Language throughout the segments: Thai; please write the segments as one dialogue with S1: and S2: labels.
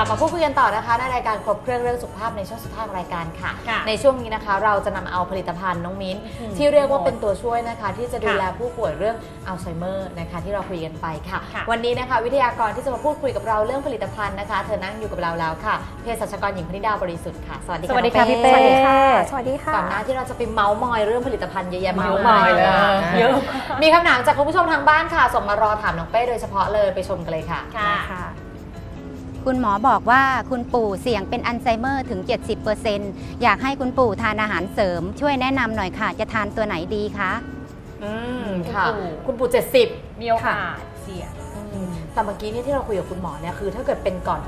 S1: มาพูดคุยกันต่อนะคะในรายการครบเครื่องเรื่องสุขภาพในช่วงสุดท้ายของรายการค่ะ
S2: ค่ะ
S1: ในช่วงนี้นะคะเราจะนำเอาผลิตภัณฑ์น้องมิ้นที่เรียกว่าเป็นตัวช่วยนะคะที่จะดูแลผู้ป่วยเรื่องอัลไซเมอร์นะคะที่เราคุยกันไปค่ะวันนี้นะคะวิทยากรที่จะมาพูดคุยกับเราเรื่องผลิตภัณฑ์นะคะเธอนั่งอยู่กับเราแล้วค่ะเภสัชกรหญิงพนิดาบริสุทธิ์ค่ะสวัสดีค่ะ
S2: สวัสดีค่ะพี่เป้
S3: สวัสดีค่ะสวัสดีค่ะ
S1: ก่อนหน้าที่เราจะไปเมาส์มอยเรื่องผลิตภัณฑ์เยอะแยะมาก
S2: เมาส์ม
S1: มา
S2: อย
S1: ย
S2: เลยเยอะ
S1: มีคำถามจากคุณผู้ชมทางบ้านค่ะส่งมารอถามน้องเป้โดยเฉพาะเลยไปชมกันเลยค่ะ
S2: ค่ะ
S3: คุณหมอบอกว่าคุณปู่เสี่ยงเป็นอัลไซเมอร์ถึง 70% อยากให้คุณปู่ทานอาหารเสริมช่วยแนะนำหน่อยค่ะ จะทานตัวไหนดีคะ
S1: ค่ะ คุณปู่70
S2: มีโอกาสเสี่ยง
S1: แต่เมื่อกี้นี่ที่เราคุยกับคุณหมอเนี่ยคือถ้าเกิดเป็นก่อน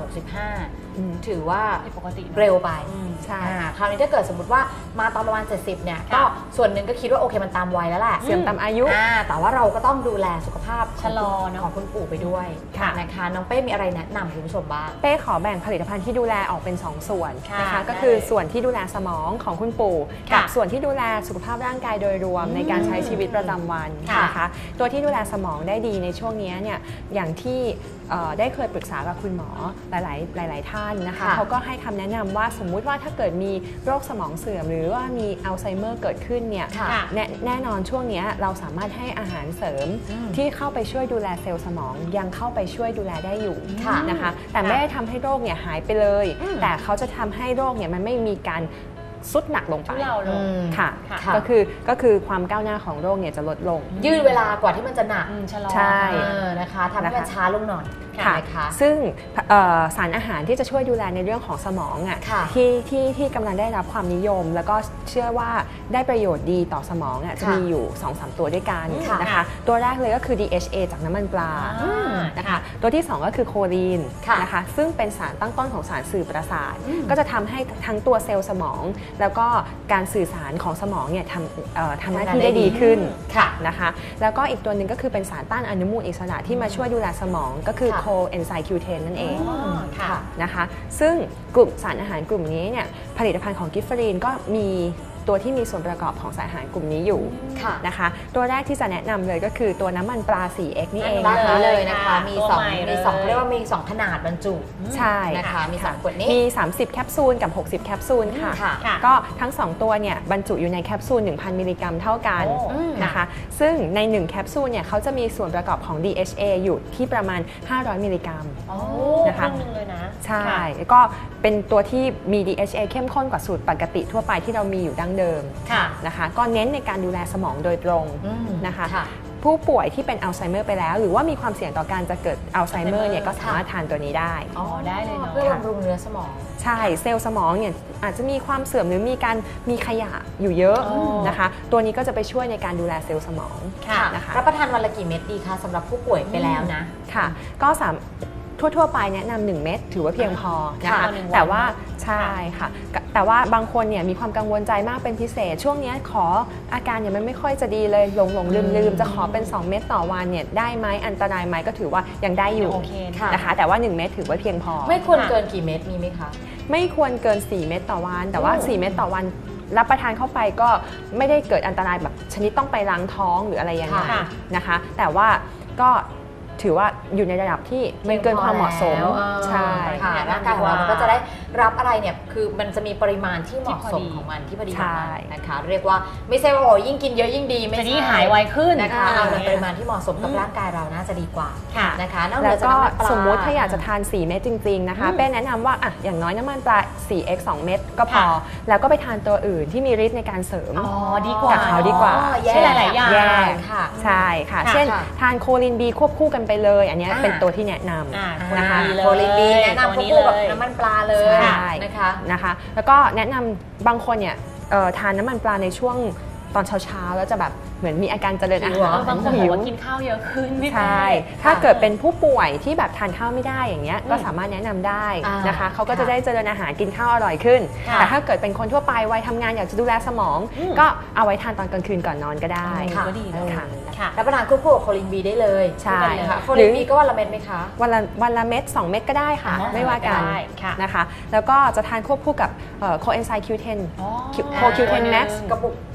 S1: 65 ถือว่า
S2: ปกติ
S1: เร็วไป
S3: ใช่
S1: คราวนี้ถ้าเกิดสมมติว่ามาตอนประมาณ 70 เนี่ยก็ส่วนหนึ่งก็คิดว่าโอเคมันตามวัยแล้วแหละ
S3: เสื่อมตามอายุ
S1: แต่ว่าเราก็ต้องดูแลสุขภาพ
S2: ชะลอเนอะ
S1: ของคุณปู่ไปด้วย
S2: ค่ะ
S1: นะคะน้องเป้มีอะไรแนะนำคุณผู้ชมบ้าง
S4: เป้ขอแบ่งผลิตภัณฑ์ที่ดูแลออกเป็น 2 ส่วน
S2: ค่ะ
S4: นะคะ
S2: ได้
S4: ก็คือส่วนที่ดูแลสมองของคุณปู่
S2: ค่ะ
S4: กับส่วนที่ดูแลสุขภาพร่างกายโดยรวมในการใช้ชีวิตประจำวัน
S2: ค่ะ
S4: นะคะตัวที่ดูแลสมองได้ดีในช่วงนี้เนี่ยอย่างที่ได้เคยปรึกษากับคุณหมอหลายท่านนะคะ
S1: ค่ะ
S4: เขาก็ให้คำแนะนำว่าสมมุติว่าถ้าเกิดมีโรคสมองเสื่อมหรือว่ามีอัลไซเมอร์เกิดขึ้นเนี่ย
S1: ค่ะ
S4: แน่นอนช่วงนี้เราสามารถให้อาหารเสริมที่เข้าไปช่วยดูแลเซลล์สมองยังเข้าไปช่วยดูแลได้อยู่
S1: ค่ะ
S4: นะคะแต่ไม่ได้ทำให้โรคเนี่ยหายไปเลย แต่เขาจะทำให้โรคเนี่ยมันไม่มีการสุดหนักลงไป
S2: ทุเลาลง
S4: ค่ะ
S1: ค่ะ
S4: ก็คือความก้าวหน้าของโรคเนี่ยจะลดลง
S1: ยืดเวลากว่าที่มันจะหนัก
S2: ชะลอ
S4: ใช่
S1: นะคะทำให้มันช้าลงหน่อย
S4: ค่ะ
S1: นะคะ
S4: ซึ่งสารอาหารที่จะช่วยดูแลในเรื่องของสมองอ่ะ
S1: ค่ะ
S4: ที่กำลังได้รับความนิยม แล้วก็เชื่อว่าได้ประโยชน์ดีต่อสมองอ่ะจะ
S1: ค่ะ
S4: มีอยู่ 2-3 ตัวด้วยกัน
S1: ค่ะ
S4: นะคะตัวแรกเลยก็คือ DHA จากน้ำมันปลา นะคะตัวที่ 2 ก็คือโคลีน
S1: ค่ะ
S4: นะคะซึ่งเป็นสารตั้งต้นของสารสื่อประสาท ก็จะทำให้ทั้งตัวเซลล์สมอง แล้วก็การสื่อสารของสมองเนี่ยทำหน้าที่ได้ดีขึ้น
S1: ค่ะ
S4: นะคะแล้วก็อีกตัวหนึ่งก็คือเป็นสารต้านอนุมูลอิสระที่มาช่วยดูแลสมองก็คือ
S1: ค่ะ
S4: โคเอนไซม์คิวเทนนั่นเอง
S2: ค่ะ
S4: นะคะซึ่งกลุ่มสารอาหารกลุ่มนี้เนี่ยผลิตภัณฑ์ของกิฟเฟอรีนก็มีตัวที่มีส่วนประกอบของสารอาหารกลุ่มนี้อยู่
S1: ค่ะ
S4: นะคะตัวแรกที่จะแนะนำเลยก็คือตัวน้ำมันปลา 4X นี่เอง
S1: บ้าน
S4: นะคะ
S1: นี้เลยนะคะ มี
S2: ตัว
S1: สอง
S2: ใหม่เลย
S1: มีสองเรียกว่ามี2ขนาดบรรจุ
S4: ใช่
S1: นะคะมี2ขวดนี้
S4: มี 30 แคปซูลกับ 60 แคปซูลค่ะ
S1: ค่ะ
S2: ค่ะ
S4: ก็ทั้ง 2 ตัวเนี่ยบรรจุอยู่ในแคปซูล 1,000 มิลลิกรัมเท่ากัน
S2: โอ้
S4: นะคะซึ่งใน 1 แคปซูลเนี่ยเขาจะมีส่วนประกอบของ DHA อยู่ที่ประมาณ 500 มิลลิกรัม
S2: โอ้
S4: นะคะ
S2: ครึ่งหนึงเลยนะ
S4: ใช่
S2: ค่ะ
S4: แล้วก็เป็นตัวที่มี DHA เข้มข้นกว่าสูตรปกติทั่วไปที่เรามีอยู่ดั้งเดิม
S2: ค่ะ
S4: นะคะก็เน้นในการดูแลสมองโดยตรงนะคะ
S1: ค่ะ
S4: ผู้ป่วยที่เป็นอัลไซเมอร์ไปแล้ว หรือว่ามีความเสี่ยงต่อการจะเกิดอัลไซเมอร์เนี่ยก็สามารถทานตัวนี้ได้
S2: อ๋อได้เลยเนาะ
S1: เพื่อบำรุงเนื้อสมอง
S4: ใช่เซลล์สมองเนี่ยอาจจะมีความเสื่อมหรือมีขยะอยู่เยอะ
S2: อ๋อ
S4: นะคะตัวนี้ก็จะไปช่วยในการดูแลเซลล์สมอง
S2: ค่ะ
S4: นะคะ
S1: รับประทานวันละกี่เม็ดดีคะสำหรับผู้ป่วยไปแล้วนะ
S4: ค่ะก็ทั่วไปแนะนำ1เม็ดถือว่าเพียงพอนะ
S2: ค่ะ
S4: คะ
S2: ต่อหนึ่งวัน
S4: แต่ว่าใช่ค่ะแต่ว่าบางคนเนี่ยมีความกังวลใจมากเป็นพิเศษ ช่วงนี้ขออาการเนี่ยมันไม่ค่อยจะดีเลยหลงลืมจะขอเป็น2เม็ดต่อวันเนี่ยได้ไหมอันตรายไหมก็ถือว่ายังได้อยู่
S2: โอเค
S1: ค่ะ
S4: นะคะแต่ว่า1เม็ดถือว่าเพียงพอ
S1: ไม่ควรเกินกี่เม็ดมีไหมคะ
S4: ไม่ควรเกิน4เม็ดต่อวันแต่ว่า4เม็ดต่อวันรับประทานเข้าไปก็ไม่ได้เกิดอันตรายแบบชนิดต้องไปล้างท้องหรืออะไรอย่างนั้น
S2: ค่ะ
S4: นะคะแต่ว่าก็ถือว่าอยู่ในระดับที่ไม่เกินความเหมาะสม ใช่
S1: ค่ะ
S2: แนะนำ
S1: ร่างกายของเรา
S2: ดีกว่ามั
S1: มันก็จะได้รับอะไรเนี่ยคือมันจะมีปริมาณที่เหมาะสม
S2: ที่พอดี
S1: ของมันที่พอดี
S4: ใช่
S1: นะคะ เรียกว่าไม่ใช่ว่าโอ้ยิ่งกินเยอะยิ่งดีไม่
S2: จะ
S1: ใช่
S2: ยิ่งหายไวขึ้น
S1: นะคะเอาในปริมาณที่เหมาะสมกับร่างกายเราน่าจะดีกว่า
S2: ค่ะ
S1: นะคะนอกเหนื
S4: แล้
S1: อ
S4: ว
S1: จาก
S4: ก็
S1: น้ำมันปลา
S4: สมมุติถ้าอยากจะทาน4เม็ดจริงๆนะคะเป้แนะนำว่าอ่ะอย่างน้อยน้ำมันปลา 4x 2 เม็ดก็พอ
S2: ค่ะ
S4: แล้วก็ไปทานตัวอื่นที่มีฤทธิ์ในการเสริม
S2: อ๋อดีกว่า
S4: กับเขาดีกว่า
S1: อ๋อแยก
S2: ใช่หลายๆอย่าง
S4: แยก
S1: ค่ะ
S4: ใช่ค่ะ
S2: ค่ะ
S4: เช่น
S1: ค่ะ
S4: ทานโคลินบีควบคู่กันไปเลย อันเนี้ย
S1: อ่า
S4: เป็นตัวที่แนะนำ
S2: อ่า
S4: นะคะ
S1: โคลินบีแนะนำควบคู่กับน้ำมันปลาเลย
S4: ใช่
S1: นะคะ
S4: นะคะแล้วก็แนะนำบางคนเนี่ยทานน้ำมันปลาในช่วงตอนเช้าๆแล้วจะแบบเหมือนมีอาการเจริญอา
S1: หิว
S4: หาร
S1: เหรอ
S2: บางคนบอกว่ากินข้าวเยอะขึ้นพี่
S4: ใช่
S2: เป้
S4: ถ้าเกิดเป็นผู้ป่วยที่แบบทานข้าวไม่ได้อย่างเงี้ยก็สามารถแนะนำได้
S1: อ่าน
S4: นะคะเขาก็จะ
S1: ค่ะ
S4: ได้เจริญอาหารกินข้าวอร่อยขึ้น
S1: ค่ะ
S4: แต่ถ้าเกิดเป็นคนทั่วไปวัยทำงานอยากจะดูแลสมอง ก็เอาไว้ทานตอนกลางคืนก่อนนอนก็ได้
S1: ค่ะ
S2: ก็ดีเลย
S4: ค่ะ
S2: ค่ะ
S1: รับประทานควบคู่กับโคลินบีได้เลย
S4: ใช่
S1: นะคะโค
S4: หรื
S1: ลิน
S4: อ
S1: บีก็วันละเม็ดไหมคะ
S4: วันละเม็ด2 เม็ดก็ได้ค่ะ
S2: อ๋อ
S4: ไม่ว่ากัน
S2: ได้ค่ะ
S4: นะคะแล้วก็จะทานควบคู่กับโคเอนไซม์คิวเทน
S2: อ๋อ
S4: โคคิวเทนแม็กซ์
S1: กระปุก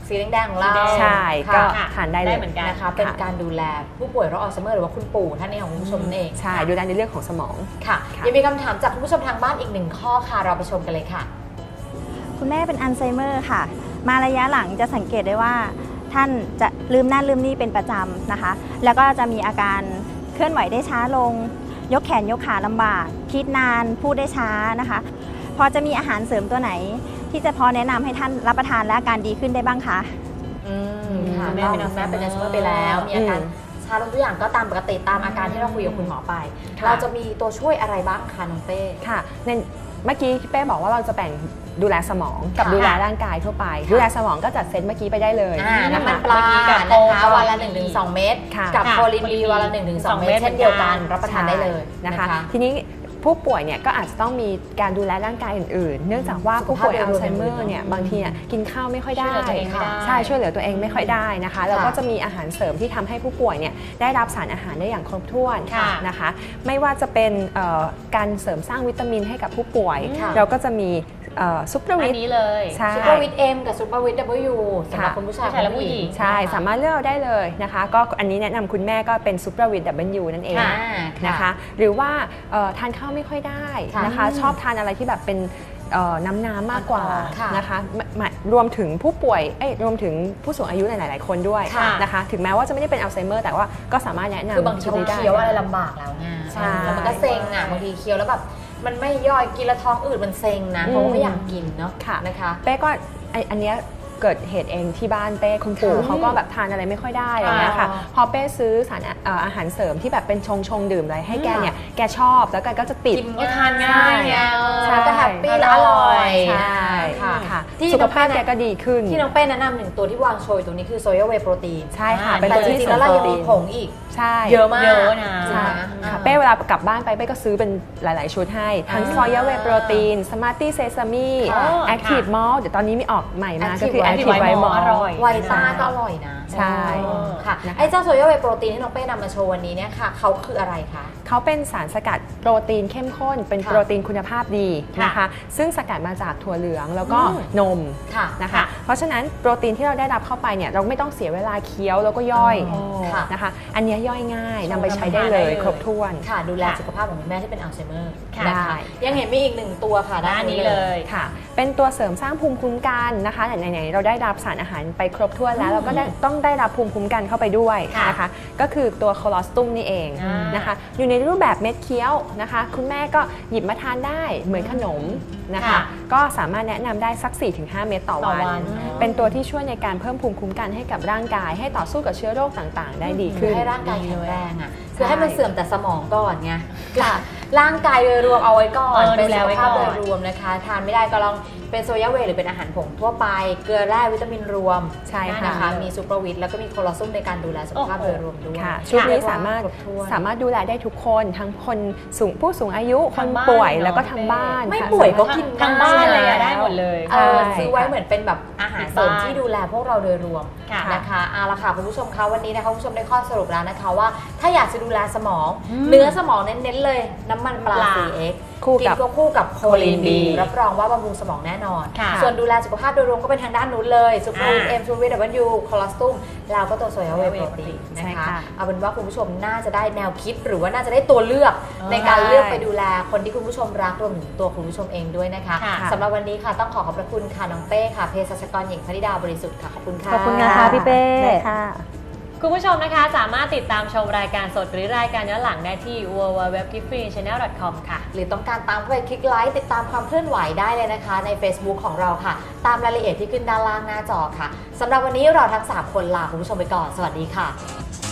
S1: สีแดงๆของเรา
S4: ใช่ก็
S1: ค่ะ
S4: ทานได้เล
S2: ได้
S4: ย
S2: เหมือนกัน
S1: นะคะเป็นการดูแลผู้ป่วยโรคอัลไซเมอร์หรือว่าคุณปู่ท่านนี้ของคุณผู้ชมนั่นเอง
S4: ใช่ดูแลในเรื่องของสมอง
S1: ค่ะ
S4: ค่ะ
S1: ยังมีคำถามจากคุณผู้ชมทางบ้านอีกหนึ่งข้อค่ะเราไปชมกันเลยค่ะ
S5: คุณแม่เป็นอัลไซเมอร์ค่ะ มาระยะหลังจะสังเกตได้ว่า ท่านจะลืมนั่นลืมนี่เป็นประจำนะคะ แล้วก็จะมีอาการเคลื่อนไหวได้ช้าลง ยกแขนยกขาลำบาก คิดนานพูดได้ช้านะคะ พอจะมีอาหารเสริมตัวไหน ที่จะพอแนะนำให้ท่านรับประทานและอาการดีขึ้นได้บ้างคะ
S1: ค่ะ
S2: คุณแม่เป็นอัลไซเมอร์
S1: เป็นอัลไซเมอร์ไปแล้วมีอาการชาลงทุกอย่างก็ตามปกติตามอาการที่เราคุยกับคุณหมอไป
S4: ค่ะ
S1: เราจะมีตัวช่วยอะไรบ้างคะน้องเป้
S4: ค่ะในเมื่อกี้พี่เป้บอกว่าเราจะแบ่งดูแลสมองกับ
S1: ค่ะ
S4: ดูแลร่างกายทั่วไป ดูแลสมองก็จัดเซตเมื่อกี้ไปได้เลย
S1: น้ำมัน
S4: นะคะ
S1: ปลา
S2: เมื่อกี้กับ
S1: นะคะ
S2: โค
S1: วันละ 1-2 เม็ด
S4: ค่ะ
S1: กับ
S2: ค่ะ
S1: โคลินบีวันละ 1-2 เม็ดเช่นเดียวกันรับประทานได้เลย
S4: นะคะ ทีนี้ผู้ป่วยเนี่ยก็อาจจะต้องมีการดูแลร่างกายอื่นๆ เนื่องจากว่าผู้ป่วยอัลไซเมอร์เนี่ยบางทีเนี่ยกินข้าวไม่ค่อยได้
S2: ช่วยเหลือตัวเองไม่ได้
S4: ใช่ช่วยเหลือตัวเองไม่ค่อยได้นะคะแล้วก็จะมีอาหารเสริมที่ทำให้ผู้ป่วยเนี่ยได้รับสารอาหารได้อย่างครบถ้วน
S2: ค่ะ
S4: นะคะไม่ว่าจะเป็นการเสริมสร้างวิตามินให้กับผู้ป่วย
S1: ค่ะ
S4: เราก็จะมีซุปเปอร์
S2: อั
S4: วิ
S2: น
S4: ต
S2: นี้เลย
S4: ใช่
S1: ซูเปอร์วิตเอ็มกับซูเปอร์วิต W สำหรับ
S4: ค่ะ
S1: คุณผู้ชาย
S2: ผู้ชายและผู้หญิง
S4: ใช่สามารถเลือกเอาได้เลยนะคะก็อันนี้แนะนำคุณแม่ก็เป็นซุปเปอร์วิต W นั่นเอง
S1: ค่ะ
S4: นะคะหรือว่าทานข้าวไม่ค่อยได้
S1: ค่ะ
S4: นะคะชอบทานอะไรที่แบบเป็นน้ำมากกว่า
S1: ค่ะ
S4: นะคะรวมถึงผู้ป่วยรวมถึงผู้สูงอายุหลายๆคนด้วย
S1: ค่ะ
S4: นะคะถึงแม้ว่าจะไม่ได้เป็นอัลไซเมอร์แต่ว่าก็สามารถแนะนำ
S1: คือบางที
S4: ชุดนี้ได้
S1: เคี้ยวอะไรลำบากแล้วไง
S4: ใช่
S1: แล้วมันก็เซ็งอ่ะบางทีเคี้ยวแล้วแบบมันไม่ย่อยกินแล้วท้องอืดมันเซ็งนะเพราะว่าไม่อยากกินเนาะ
S4: ค่ะ
S1: นะคะ
S4: เป้ก็อันเนี้ยเกิดเหตุเองที่บ้านเป้คุณปู่
S1: ค่ะ
S4: เขาก็แบบทานอะไรไม่ค่อยได้อะไรเงี้ยค่ะ
S1: อ๋อ
S4: พอเป้ซื้อสารอาหารเสริมที่แบบเป็นชงดื่มอะไรให้แกเนี่ยแกชอบแล้วแกก็จะติด
S1: กิน
S2: ก็ทานง่ายไง
S1: ใช่ก็แฮปปี้และอร่อย
S4: ใช่
S1: ค่ะ
S4: ค่ะ
S1: ที่
S4: สุขภาพ
S1: น้องเป้
S4: แกก็ดีขึ้น
S1: ที่น้องเป้แนะนำหนึ่งตัวที่วางโชยตรงนี้คือโซยาเวย์โปรตีน
S4: ใช่ค่ะ
S2: อ่า
S4: เป็น
S1: แต่
S4: ตัว
S1: จ
S4: ที่
S1: ริงๆ
S4: เสริ
S1: แล้
S4: ม
S1: วเรา
S4: โปร
S1: ยัง
S4: ตี
S1: มี
S4: น
S1: ผงอีก
S4: ใช่
S1: เยอะมาก
S2: เยอะนะ
S4: ใช่
S1: อ่า
S4: ค่ะเป้เวลากลับบ้านไปเป้ก็ซื้อเป็นหลาย ๆ ชุดให้ทั้ง
S1: อ่า
S4: ซอยาเวย์โปรตีนสมาร์ตี้เซซามี
S1: ค่ะ
S4: แอคทีฟมอลเดี๋ยวตอนนี้มีออกใหม่มาก็คือ
S1: Active
S4: แอคทีฟ
S2: White
S4: ไว
S2: Malt
S4: มอล
S2: อร่อย
S1: ไวต้าก็อร่อยนะ
S4: ใช่
S1: ค่ะ
S4: นะคะ
S1: ไอ้เจ้าโซยาเวย์โปรตีนที่น้องเป้นำมาโชว์วันนี้เนี่ยค่ะเขาคืออะไรคะ
S4: เขาเป็นสารสกัดโปรตีนเข้มข้น เป็น
S1: ค่ะ
S4: โปรตีนคุณภาพดี
S1: ค่ะ
S4: นะคะ ซึ่งสกัดมาจากถั่วเหลืองแล้วก็
S1: อืม
S4: นม
S1: ค่ะ
S4: นะคะ
S2: ค่ะ
S4: เพราะฉะนั้นโปรตีนที่เราได้รับเข้าไปเนี่ยเราไม่ต้องเสียเวลาเคี้ยวแล้วก็ย่อย
S1: อ๋อค่ะ
S4: นะคะ อันเนี้ยย่อยง่าย
S2: ชง
S4: นำไปใช้ได้เลย
S2: ทำอาหารได้เลย
S4: ครบถ้วน
S1: ค่ะดูแล
S2: ค่ะ
S1: สุขภาพของคุณแม่ที่เป็นอัลไซเมอร์
S2: ค่ะ
S1: นะคะ
S4: ได้
S1: ยังเห็นมีอีกหนึ่งตัวค่ะ
S2: ด้านนี้เลย
S4: ค่ะ เป็นตัวเสริมสร้างภูมิคุ้มกันนะคะไหนๆเราได้รับสารอาหารไปครบถ้วนแล้วเราก็ต้องได้รับภูมิคุ้มกันเข้าไปด้วย
S2: ค่ะ
S4: นะคะ ก็คือตัวโคลอสตุมนี่เอง
S2: อ่าน
S4: นะคะ อยู่ในรูปแบบเม็ดเคี้ยวนะคะ คุณแม่ก็หยิบมาทานได้เหมือนขนมนะคะ
S2: ค่ะ
S4: ก็สามารถแนะนำได้สัก 4-5 เม็ดต่อ
S2: ต่อ
S4: วัน
S2: วัน
S4: เป็นตัวที่ช่วยในการเพิ่มภูมิคุ้มกันให้กับร่างกาย ให้ต่อสู้กับเชื้อโรคต่างๆ ได้ดีขึ้น
S1: ให้ร่างกายแข็งแรงอ่ะ
S4: ใช่
S1: คือให้มันเสื่อมแต่สมองก่อนไงค่ะร่างกายโดยรวมเอาไว้ก่อน
S2: ดู
S1: เป็น
S2: แล
S1: สุข
S2: ไว้
S1: ภาพ
S2: ก่
S1: โด
S2: อน
S1: ยรวมนะคะทานไม่ได้ก็ลองเป็นโซยาเวย์หรือเป็นอาหารผงทั่วไป เกลือแร่วิตามินรวม
S4: ใช่ค่ะ
S1: นะคะมีซูเปอร์วิตแล้วก็มีโคลอซุมในการดูแลสุขภาพโดยรวมด้วย
S4: ค่ะชุดนี้
S1: เรียกว่
S4: สามารถ
S1: คบถ้วน
S4: สามารถดูแลได้ทุกคนทั้งคนผู้สูงอายุค
S2: ทาน งบ้าน
S4: ป่วย
S2: เนอะ
S4: แล้วก็ทาง
S2: พี่เป้
S4: บ้าน
S1: ไม่
S4: ค่ะ
S1: ป่วยก็
S4: สามารถ
S1: กิน
S2: ทางบ้านเลยอะ
S1: ได้
S2: ได้หมดเลย
S1: เออ
S4: ใช่
S1: ซื้อไว้
S4: ค่ะ
S1: เหมือนเป็นแบบอาหารเสริมที่ดูแลพวกเราโดยรวม
S2: ค่ะ
S1: นะคะเอาละค่ะคุณผู้ชมคะวันนี้นะคะคุณผู้ชมได้ข้อสรุปแล้วนะคะว่าถ้าอยากจะดูแลสมอง เนื้อสมองเน้นๆเลยน้ำมันปลา 4X
S4: คู่
S1: กิ
S4: กับ
S1: นควบคู่กับโคลิน
S2: B
S1: รับรองว่าบำรุงสมองแน่นอน
S2: ค่ะ
S1: ส่วนดูแลสุขภาพโดยรวมก็เป็นทางด้านนู้นเลยซูเปอร์วิต
S2: อ่า
S1: เอ็มซูวิตดับเบิลยูคอลอสตุมแล้วก็ตัวโซยาเวย์โปรตีน
S4: ใช่
S1: นะคะ
S4: ค่ะ
S1: เอาเป็นว่าคุณผู้ชมน่าจะได้แนวคิดหรือว่าน่าจะได้ตัวเลือก ในการเลือกไปดูแลคนที่คุณผู้ชมรักรวมถึงตัวคุณผู้ชมเองด้วยนะคะ
S2: ค่ะ
S1: สำหรับวันนี้ค่ะต้องขอบพระคุณค่ะน้องเป้ค่ะเภสัชกรหญิงพนิดาบริสุทธิ์ค่ะขอบคุณค่ะ
S5: ขอบคุณนะคะพี่เป้
S4: ได้ค่ะ
S2: คุณผู้ชมนะคะสามารถติดตามชมรายการสดหรือรายการย้อนหลังได้ที่ www.giftfreechannel.com ค่ะ
S1: หรือต้องการตามเข้าไปคลิกไลค์ติดตามความเคลื่อนไหวได้เลยนะคะใน Facebook ของเราค่ะ ตามรายละเอียดที่ขึ้นด้านล่างหน้าจอค่ะสำหรับวันนี้เราทั้ง 3 คนลาคุณผู้ชมไปก่อน สวัสดีค่ะ